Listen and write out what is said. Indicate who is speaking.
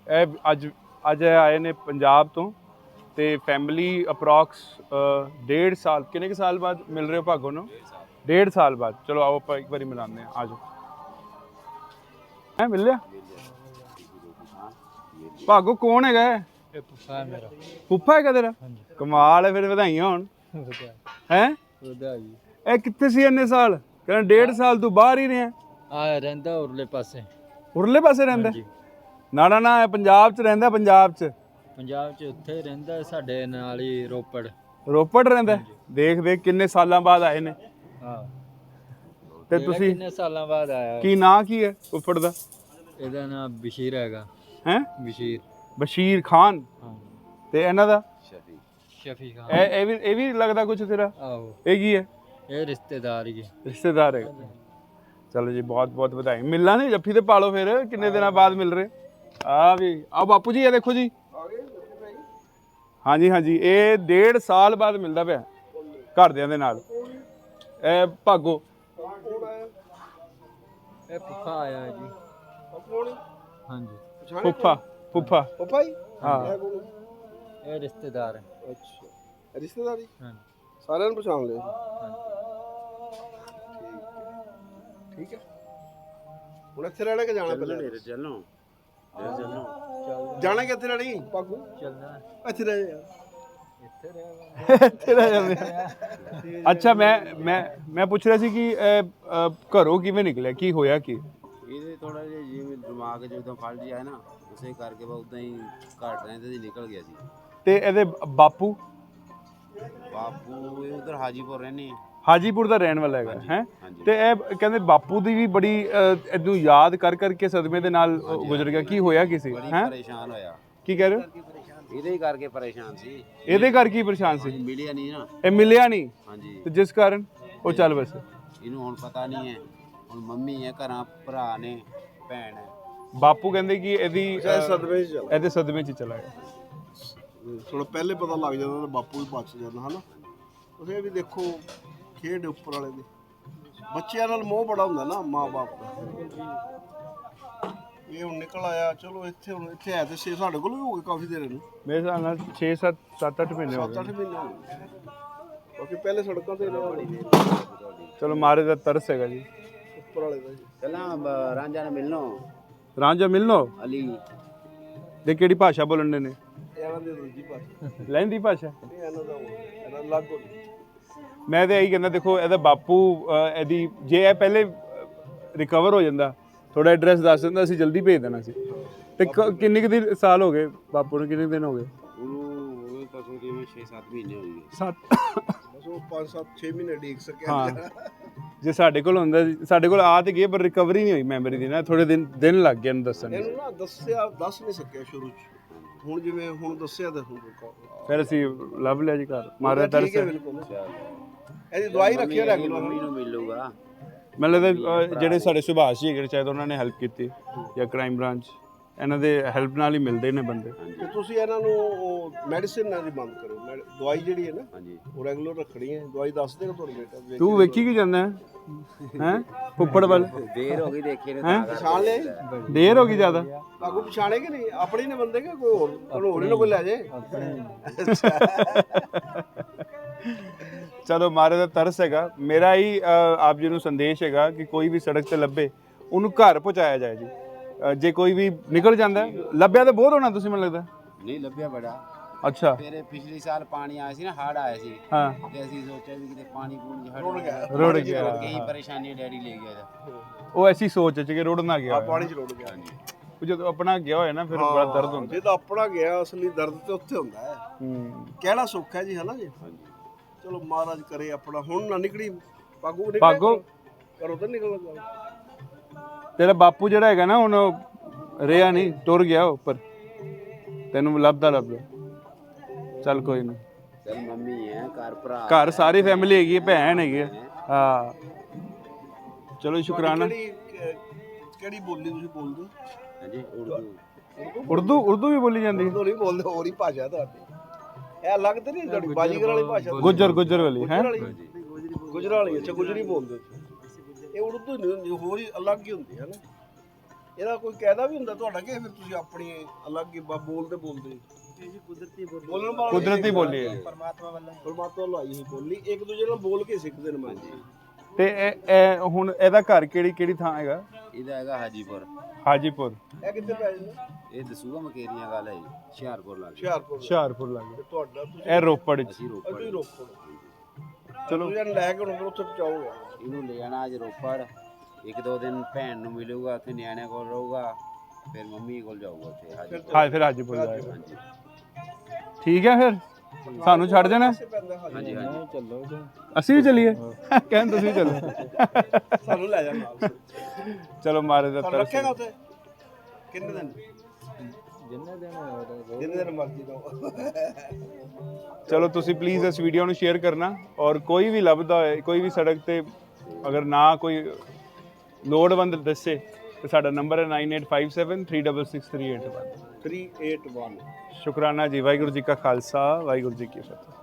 Speaker 1: ਇਹ ਅੱਜ ਆਏ ਨੇ ਪੰਜਾਬ ਤੋਂ ਤੇ ਫੈਮਿਲੀ ਅਪਰੋਕਸ 1.5 ਸਾਲ ਕਿੰਨੇ ਕੁ ਸਾਲ ਬਾਅਦ ਮਿਲ ਰਹੇ ਹੋ ਭਾਗੋ ਨੂੰ? 1.5 ਸਾਲ ਬਾਅਦ। ਚਲੋ ਆਓ ਆਪਾਂ ਇੱਕ ਵਾਰੀ ਮਿਲਾਉਂਦੇ ਹਾਂ। ਆ ਜਾਓ। ਮਿਲ ਲਿਆ ਭਾਗੋ? ਕੌਣ ਹੈਗਾ ਇਹ?
Speaker 2: ਫੁੱਫਾ ਹੈ ਮੇਰਾ।
Speaker 1: ਫੁੱਫਾ ਹੈਗਾ ਤੇਰਾ? ਕਮਾਲ ਹੈ, ਫਿਰ ਵਧਾਈਆਂ ਹੋਣ। ਹੈ ਇਹ ਕਿੱਥੇ ਸੀ ਇੰਨੇ ਸਾਲ? ਕਹਿੰਦਾ 1.5 ਸਾਲ ਤੂੰ ਬਾਹਰ ਹੀ ਰਿਹਾ।
Speaker 2: ਆ ਰਹਿੰਦਾ ਉਰਲੇ ਪਾਸੇ।
Speaker 1: ਉਰਲੇ ਪਾਸੇ ਰਹਿੰਦਾ? ਨਾ ਪੰਜਾਬ 'ਚ ਰਹਿੰਦਾ। ਪੰਜਾਬ 'ਚ
Speaker 2: ਉੱਥੇ ਰਹਿੰਦਾ ਸਾਡੇ ਨਾਲ ਹੀ ਰੋਪੜ।
Speaker 1: ਰੋਪੜ ਰਹਿੰਦਾ? ਦੇਖ ਕਿੰਨੇ ਸਾਲਾਂ ਬਾਅਦ ਆਏ ਨੇ।
Speaker 2: ਹਾਂ
Speaker 1: ਤੇ ਤੁਸੀਂ
Speaker 2: ਕਿੰਨੇ ਸਾਲਾਂ ਬਾਅਦ ਆਇਆ?
Speaker 1: ਕੀ ਨਾਂ ਕੀ ਹੈ ਫੁੱਫੜ ਦਾ?
Speaker 2: ਇਹਦਾ ਨਾਮ ਬਸ਼ੀਰ ਹੈਗਾ।
Speaker 1: ਹੈ
Speaker 2: ਬਸ਼ੀਰ
Speaker 1: ਖਾਨ।
Speaker 2: ਹਾਂ।
Speaker 1: ਤੇ ਇਹਨਾਂ ਦਾ?
Speaker 2: ਸ਼ਫੀ ਖਾਨ।
Speaker 1: ਇਹ ਵੀ ਲੱਗਦਾ ਕੁਛ ਤੇਰਾ?
Speaker 2: ਆਹੋ।
Speaker 1: ਇਹ ਕੀ ਹੈ?
Speaker 2: ਇਹ ਰਿਸ਼ਤੇਦਾਰ ਹੀ ਹੈ।
Speaker 1: ਰਿਸ਼ਤੇਦਾਰ ਹੈ। ਚਲੋ ਜੀ, ਬਹੁਤ ਬਹੁਤ ਵਧਾਈ। ਮਿਲਣਾ ਨਹੀਂ ਜੱਫੀ ਤੇ ਪਾਲੋ ਫਿਰ, ਕਿੰਨੇ ਦਿਨਾਂ ਬਾਅਦ ਮਿਲ ਰਹੇ। ਆ ਵੀ ਆ ਬਾਪੂ ਜੀ, ਇਹ ਦੇਖੋ ਜੀ। ਹਾਂਜੀ ਇਹ 1.5 ਸਾਲ ਬਾਅਦ ਮਿਲਦਾ ਪਿਆ ਘਰਦਿਆਂ ਦੇ ਨਾਲ। ਇਹ ਭਾਗੋ
Speaker 2: ਇਹ ਫੁੱਫਾ ਆਇਆ ਜੀ। ਹਾਂਜੀ
Speaker 1: ਫੁੱਫਾ ਹੀ। ਹਾਂ
Speaker 2: ਇਹ ਰਿਸ਼ਤੇਦਾਰ ਹੈ।
Speaker 3: ਅੱਛਾ, ਰਿਸ਼ਤੇਦਾਰੀ।
Speaker 2: ਹਾਂ,
Speaker 3: ਸਾਰਿਆਂ ਨੂੰ ਪਛਾਣ ਲਿਆ। ਠੀਕ ਹੈ। ਹੁਣ ਇੱਥੇ ਰਹਿਣਾ ਕਿ ਜਾਣਾ? ਪਹਿਲਾਂ
Speaker 1: ਚੱਲੋ
Speaker 3: ਜਾਣਾ ਕਿੱਥੇ ਰਹਿਣੀ ਪਾਗੂ?
Speaker 2: ਚੱਲਣਾ
Speaker 3: ਇੱਥੇ ਰਹਿ ਜਾ।
Speaker 1: ਇੱਥੇ ਰਹਿ ਜਾਂਦੇ। ਅੱਛਾ, ਮੈਂ ਪੁੱਛ ਰਿਹਾ ਸੀ ਕਿ ਘਰੋਂ ਕਿਵੇਂ ਨਿਕਲਿਆ, ਕੀ ਹੋਇਆ ਕੀ?
Speaker 4: ਇਹਦੇ ਥੋੜਾ ਜਿਹਾ ਜਿਵੇਂ ਦਿਮਾਗ ਜਦੋਂ ਫਲ ਜਿਹਾ ਨਾ, ਉਸੇ ਕਰਕੇ ਬਸ ਉਦਾਂ ਹੀ ਘੱਟ ਰਹਿੰਦੇ ਸੀ, ਨਿਕਲ ਗਿਆ ਸੀ।
Speaker 1: ਤੇ ਇਹਦੇ ਬਾਪੂ
Speaker 4: ਇਹ ਉਧਰ ਹਾਜੀਪੁਰ ਰਹਿੰਦੇ ਆ।
Speaker 1: ਹਾਜੀਪੁਰ ਦਾ ਰਹਿਣ ਵਾਲਾ ਹੈਗਾ ਹੈ। ਤੇ ਇਹ ਕਹਿੰਦੇ ਬਾਪੂ ਦੀ ਵੀ ਬੜੀ ਇਹਨੂੰ ਯਾਦ ਕਰਕੇ ਸਦਮੇ ਦੇ ਨਾਲ ਗੁਜ਼ਰ ਗਿਆ। ਕੀ ਹੋਇਆ ਕੀ ਸੀ? ਹੈ
Speaker 4: ਪਰੇਸ਼ਾਨ ਹੋਇਆ।
Speaker 1: ਕੀ ਕਹਿ ਰਹੇ ਹੋ?
Speaker 4: ਇਹਦੇ ਹੀ ਕਰਕੇ ਪਰੇਸ਼ਾਨ ਸੀ।
Speaker 1: ਇਹਦੇ ਕਰਕੇ ਹੀ ਪਰੇਸ਼ਾਨ ਸੀ?
Speaker 4: ਮਿਲਿਆ ਨਹੀਂ ਨਾ।
Speaker 1: ਇਹ ਮਿਲਿਆ ਨਹੀਂ?
Speaker 4: ਹਾਂਜੀ।
Speaker 1: ਤੇ ਜਿਸ ਕਾਰਨ ਉਹ ਚੱਲ ਵੈਸੇ
Speaker 4: ਇਹਨੂੰ ਹੁਣ ਪਤਾ ਨਹੀਂ ਹੈ। ਹੁਣ ਮੰਮੀ ਹੈ ਘਰਾਂ, ਭਰਾ ਨੇ, ਭੈਣ ਹੈ।
Speaker 1: ਬਾਪੂ ਕਹਿੰਦੇ ਕਿ ਇਹਦੀ
Speaker 3: ਸਦਮੇ 'ਚ ਚੱਲ,
Speaker 1: ਇਹਦੇ ਸਦਮੇ 'ਚ ਚਲਾ ਗਿਆ।
Speaker 3: ਥੋੜਾ ਪਹਿਲੇ ਪਤਾ ਲੱਗ ਜਾਂਦਾ ਤਾਂ ਬਾਪੂ ਵੀ ਬਚ ਜਾਂਦਾ ਹਨਾ। ਤੁਸੀਂ ਇਹ ਵੀ ਦੇਖੋ, ਖੇਡ ਉੱਪਰ ਵਾਲੇ ਦੀ ਬੱਚਿਆਂ ਨਾਲ ਮੋਹ ਬੜਾ ਹੁੰਦਾ ਨਾ ਮਾਂ ਬਾਪ ਦਾ। ਇਹ ਹੁਣ ਨਿਕਲ ਆਇਆ। ਚਲੋ ਇੱਥੇ ਹੁਣ ਇੱਥੇ ਹੈ ਤੇ ਸਾਡੇ ਕੋਲ ਵੀ ਹੋ ਗਏ ਕਾਫੀ ਦੇਰ ਨੂੰ।
Speaker 1: ਮੇਰੇ ਹਿਸਾਬ ਨਾਲ 7-8 ਮਹੀਨੇ ਹੋ
Speaker 3: 7-8 ਮਹੀਨੇ ਹੋ ਗਏ। ਕਿਉਂਕਿ ਪਹਿਲੇ ਸੜਕਾਂ ਤੇ
Speaker 1: ਚਲੋ ਮਾਰੇ ਦਾ ਤਰਸ ਹੈਗਾ ਜੀ
Speaker 3: ਉੱਪਰ ਵਾਲੇ ਦਾ ਜੀ।
Speaker 4: ਪਹਿਲਾਂ ਰਾਂਝਾ ਨਾਲ
Speaker 1: ਰਾਂਝਾ ਮਿਲਣੋ
Speaker 4: ਅਲੀ
Speaker 1: ਦੇ ਕਿਹੜੀ ਭਾਸ਼ਾ ਬੋਲਣ ਦੇ ਨੇ?
Speaker 3: ਇਹਨਾਂ ਦੀ ਦੂਜੀ ਭਾਸ਼ਾ,
Speaker 1: ਲਹਿੰਦੀ ਭਾਸ਼ਾ।
Speaker 3: ਇਹਨਾਂ ਦਾ ਇਹਨਾਂ ਅਲੱਗ ਹੋ ਗਈ।
Speaker 1: ਮੈਂ ਤਾਂ ਇਹੀ ਕਹਿੰਦਾ, ਦੇਖੋ ਇਹਦਾ ਬਾਪੂ ਇਹਦੀ ਜੇ ਇਹ ਪਹਿਲੇ ਰਿਕਵਰ ਹੋ ਜਾਂਦਾ, ਥੋੜਾ ਐਡਰੈਸ ਦੱਸ ਦਿੰਦਾ, ਅਸੀਂ ਜਲਦੀ ਭੇਜ ਦੇਣਾ ਸੀ। ਤੇ ਕਿੰਨੇ ਕੁ ਦਿਨ ਸਾਲ ਹੋ ਗਏ ਬਾਪੂ ਨੂੰ? ਕਿੰਨੇ ਦਿਨ ਹੋ ਗਏ?
Speaker 4: ਉਹਨੂੰ ਤਾਂ ਜਿਵੇਂ 6-7 ਮਹੀਨੇ ਹੋ ਗਏ।
Speaker 1: 7
Speaker 3: ਬਸ ਉਹ 5-7-6 ਮਹੀਨੇ ਡੀਕ ਸਕਿਆ।
Speaker 1: ਹਾਂ, ਜੇ ਸਾਡੇ ਕੋਲ ਹੁੰਦਾ, ਸਾਡੇ ਕੋਲ ਆ ਤੇ ਗਏ ਪਰ ਰਿਕਵਰੀ ਨਹੀਂ ਹੋਈ ਮੈਮਰੀ ਦੀ ਨਾ। ਥੋੜੇ ਦਿਨ ਲੱਗ ਗਏ ਇਹਨੂੰ ਦੱਸਣ।
Speaker 3: ਇਹਨੂੰ ਨਾ ਦੱਸ ਨਹੀਂ ਸਕਿਆ ਸ਼ੁਰੂ 'ਚ। ਹੁਣ ਜਿਵੇਂ ਹੁਣ ਦੱਸਿਆ ਤਾਂ
Speaker 1: ਫਿਰ ਅਸੀਂ ਲੱਭ ਲਿਆ ਜੀ ਘਰ। ਮਾਰਿਆ ਤਰਸ।
Speaker 3: ਇਹਦੀ ਦਵਾਈ ਰੱਖਿਆ ਰੈਗੂਲਰ।
Speaker 4: ਮੰਮੀ ਨੂੰ ਮਿਲੂਗਾ।
Speaker 1: ਮੈਨੂੰ ਲੱਗਦਾ ਜਿਹੜੇ ਸਾਡੇ ਸੁਭਾਸ਼ ਜੀ ਹੈਗੇ ਸ਼ਾਇਦ ਉਹਨਾਂ ਨੇ ਹੈਲਪ ਕੀਤੀ, ਜਾਂ ਕ੍ਰਾਈਮ ਬ੍ਰਾਂਚ, ਇਹਨਾਂ ਦੇ ਹੈਲਪ ਨਾਲ ਹੀ ਮਿਲਦੇ ਨੇ ਬੰਦੇ।
Speaker 3: ਤੇ ਤੁਸੀਂ ਇਹਨਾਂ ਨੂੰ ਮੈਡੀਸਿਨ ਨਾਲ ਹੀ ਬੰਦ ਕਰੋ। ਦਵਾਈ ਜਿਹੜੀ ਹੈ ਨਾ, ਉਹ ਰੈਗੂਲਰ ਰੱਖਣੀ ਹੈ। ਦਵਾਈ ਦੱਸ ਦੇਗਾ ਤੁਹਾਨੂੰ ਬੇਟਾ।
Speaker 1: ਤੂੰ ਵੇਖੀ ਕੀ ਜਾਂਦਾ ਹੈ ਫੁੱਫੜ ਵੱਲ?
Speaker 4: ਦੇਰ ਹੋ ਗਈ ਦੇਖੇ ਨੇ।
Speaker 3: ਪਛਾਣ ਲਿਆ?
Speaker 1: ਦੇਰ ਹੋ ਗਈ ਜ਼ਿਆਦਾ।
Speaker 3: ਲਾਗੂ ਪਛਾਣੇ ਕਿ ਨਹੀਂ? ਆਪਣੇ ਨੇ ਬੰਦੇ ਕਿ ਕੋਈ ਹੋਰ ਨਾ ਕੋਈ ਲੈ ਜੇ।
Speaker 1: ਚਲੋ ਮਾਰੇ ਦਾ ਤਰਸ ਹੈਗਾ। ਮੇਰਾ ਹੀ ਆਪ ਜੀ ਨੂੰ ਸੰਦੇਸ਼ ਹੈਗਾ ਕਿ ਕੋਈ ਵੀ ਸੜਕ ਤੇ ਲੱਭੇ ਉਹਨੂੰ ਘਰ ਪਹੁੰਚਾਇਆ ਜਾਏ ਜੀ। ਜੇ ਕੋਈ ਵੀ ਨਿਕਲ ਜਾਂਦਾ, ਲੱਭਿਆ ਤਾਂ ਬਹੁਤ ਹੋਣਾ ਤੁਸੀਂ, ਮੈਨੂੰ ਲੱਗਦਾ।
Speaker 4: ਨਹੀਂ ਲੱਭਿਆ ਬੜਾ।
Speaker 1: ਅੱਛਾ।
Speaker 4: ਫਿਰ ਪਿਛਲੇ ਸਾਲ ਪਾਣੀ ਆਇਆ ਸੀ ਨਾ, ਹੜ੍ਹ ਆਇਆ ਸੀ।
Speaker 1: ਹਾਂ।
Speaker 4: ਤੇ ਅਸੀਂ ਸੋਚਿਆ ਵੀ ਕਿਤੇ ਪਾਣੀ ਪੂਣੀ
Speaker 1: ਰੁੜ ਗਿਆ।
Speaker 4: ਕਈ ਪਰੇਸ਼ਾਨੀ ਡੈਡੀ ਲੈ ਗਿਆ।
Speaker 1: ਉਹ ਐਸੀ ਸੋਚ ਚ ਕਿ ਰੁੜ ਨਾ ਗਿਆ।
Speaker 3: ਪਾਣੀ 'ਚ ਰੁੜ ਗਿਆ।
Speaker 1: ਜਦੋਂ ਆਪਣਾ ਗਿਆ ਹੋਇਆ ਨਾ, ਫਿਰ ਬੜਾ ਦਰਦ ਹੁੰਦਾ।
Speaker 3: ਜੇ ਤਾਂ ਆਪਣਾ ਗਿਆ, ਅਸਲੀ ਦਰਦ ਤੇ ਉੱਥੇ ਹੁੰਦਾ ਹੈ। ਕਹਿਣਾ ਸੌਖਾ ਹੈ ਜੀ, ਹੈ ਨਾ ਜੀ। ਚਲੋ ਮਹਾਰਾਜ ਕਰੇ ਆਪਣਾ। ਹੁਣ ਨਾ ਨਿਕਲੀ ਪਾਗੋ ਕਰੋ ਤਾਂ ਨਿਕਲ ਜਾ।
Speaker 1: ਤੇਰਾ ਬਾਪੂ ਜਿਹੜਾ ਹੈਗਾ ਨਾ, ਹੁਣ ਰਿਹਾ ਨਹੀਂ, ਟੁਰ ਗਿਆ ਉੱਪਰ। ਤੈਨੂੰ ਲੱਭਦਾ ਚੱਲ ਕੋਈ ਨਹੀਂ।
Speaker 4: ਚੱਲ ਮੰਮੀ ਹੈ ਘਰ, ਭਰਾ
Speaker 1: ਘਰ ਸਾਰੀ ਫੈਮਿਲੀ ਹੈਗੀ ਹੈ, ਭੈਣ ਹੈਗੀ ਹੈ। ਹਾਂ ਚਲੋ ਸ਼ੁਕਰਾਨਾ।
Speaker 3: ਕਿਹੜੀ ਬੋਲੀ ਤੁਸੀਂ ਬੋਲਦੇ?
Speaker 4: ਹਾਂਜੀ
Speaker 1: ਉਰਦੂ ਵੀ ਬੋਲੀ ਜਾਂਦੀ?
Speaker 3: ਉਰਦੂ ਨਹੀਂ ਬੋਲਦੇ, ਹੋਰ ਹੀ ਭਾਸ਼ਾ ਤੁਹਾਡੀ। ਇਹ ਅਲੱਗ ਤੇ ਨਹੀਂ ਤੁਹਾਡੀ ਬਾਜੀਗਰ ਵਾਲੀ ਭਾਸ਼ਾ?
Speaker 1: ਗੁੱਜਰ ਵਾਲੀ ਹੈ।
Speaker 3: ਗੁਜਰਾਲੀ। ਅੱਛਾ, ਗੁਜਰੀ ਬੋਲਦੇ। ਇਹ ਉਰਦੂ ਨਹੀਂ, ਹੋਰ ਹੀ ਅਲੱਗ ਹੀ ਹੁੰਦੀ ਹੈ ਨਾ। ਇਹਦਾ ਕੋਈ ਕਾਇਦਾ ਵੀ ਹੁੰਦਾ ਤੁਹਾਡਾ ਕਿ ਫਿਰ ਤੁਸੀਂ ਆਪਣੀ ਅਲੱਗ ਹੀ ਬੋਲਦੇ ਬੋਲਣ ਵਾਲਾ
Speaker 1: ਕੁਦਰਤੀ ਬੋਲੀ ਹੈ।
Speaker 3: ਪਰਮਾਤਮਾ ਵੱਲੋਂ ਆਈ ਹੋਈ ਬੋਲੀ ਇੱਕ ਦੂਜੇ ਨਾਲ ਬੋਲ ਕੇ ਸਿੱਖਦੇ ਨੇ ਮਾਂ ਜੀ।
Speaker 1: ਤੇ ਇਹ ਹੁਣ ਇਹਦਾ ਘਰ ਕਿਹੜੀ ਥਾਂ ਹੈਗਾ?
Speaker 4: ਇਹਦਾ ਹੈਗਾ ਹਾਜੀਪੁਰ।
Speaker 1: ਹਾਜੀਪੁਰ।
Speaker 3: ਇਹ ਕਿੱਥੇ ਪੈ ਜਾਂਦਾ?
Speaker 4: ਇਹ ਦਸੂਗਾ ਮਕੇਰੀਆਂ ਗੱਲ ਹੈ ਜੀ, ਹੁਸ਼ਿਆਰਪੁਰ ਲੱਗ
Speaker 1: ਹੁਸ਼ਿਆਰਪੁਰ ਲੱਗੇ।
Speaker 3: ਤੇ ਤੁਹਾਡਾ ਤੁਸੀਂ
Speaker 1: ਇਹ ਰੋਪੜ ਚ।
Speaker 4: ਅਸੀਂ ਰੋਪੜ।
Speaker 3: ਤੁਸੀਂ ਰੋਪੜ।
Speaker 1: ਚਲੋ
Speaker 3: ਤੁਸੀਂ ਲੈ ਕੇ ਹੁਣ ਫਿਰ ਉੱਥੇ ਪਹੁੰਚਾਓਗੇ।
Speaker 4: ਇਹਨੂੰ ਲੈ ਜਾਣਾ ਅੱਜ ਰੋਪੜ, ਇੱਕ ਦੋ ਦਿਨ ਭੈਣ ਨੂੰ ਮਿਲੂਗਾ, ਉੱਥੇ ਨਿਆਣਿਆਂ ਕੋਲ ਰਹੂਗਾ, ਫਿਰ ਮੰਮੀ ਕੋਲ ਜਾਊਗਾ ਉੱਥੇ ਹਾਜੀਪੁਰ।
Speaker 1: ਹਾਂ ਫਿਰ ਹਾਜੀਪੁਰ ਜਾਏਗਾ।
Speaker 4: ਹਾਂਜੀ
Speaker 1: ਠੀਕ ਹੈ ਫਿਰ ਸਾਨੂੰ ਛੱਡ ਜਾਣਾ?
Speaker 4: ਹਾਂਜੀ ਹਾਂਜੀ
Speaker 2: ਚੱਲੋ ਜੀ।
Speaker 1: ਅਸੀਂ ਵੀ ਚੱਲੀਏ? ਕਹਿੰਦੇ ਤੁਸੀਂ ਚੱਲੋ।
Speaker 3: ਸਾਨੂੰ ਲੈ ਜਾ ਨਾਲ।
Speaker 1: ਚਲੋ ਮਾਰੇ ਦਾ
Speaker 3: ਤੁਹਾਨੂੰ ਰੱਖੇਗਾ ਉੱਥੇ ਕਿੰਨੇ ਦਿਨ?
Speaker 2: ਜਿੰਨੇ
Speaker 3: ਦਿਨ ਮਰਜ਼ੀ ਦੋ।
Speaker 1: ਚਲੋ ਤੁਸੀਂ ਪਲੀਜ਼ ਇਸ ਵੀਡੀਓ ਨੂੰ ਸ਼ੇਅਰ ਕਰਨਾ, ਔਰ ਕੋਈ ਵੀ ਲੱਭਦਾ ਹੋਏ, ਕੋਈ ਵੀ ਸੜਕ ਤੇ ਅਗਰ ਨਾ ਕੋਈ ਲੋੜਵੰਦ ਦੱਸੇ ਤੇ ਸਾਡਾ ਨੰਬਰ ਹੈ 9857366381।
Speaker 3: 381।
Speaker 1: ਸ਼ੁਕਰਾਨਾ ਜੀ। ਵਾਹਿਗੁਰੂ ਜੀ ਕਾ ਖਾਲਸਾ, ਵਾਹਿਗੁਰੂ ਜੀ ਕੀ ਫਤਿਹ।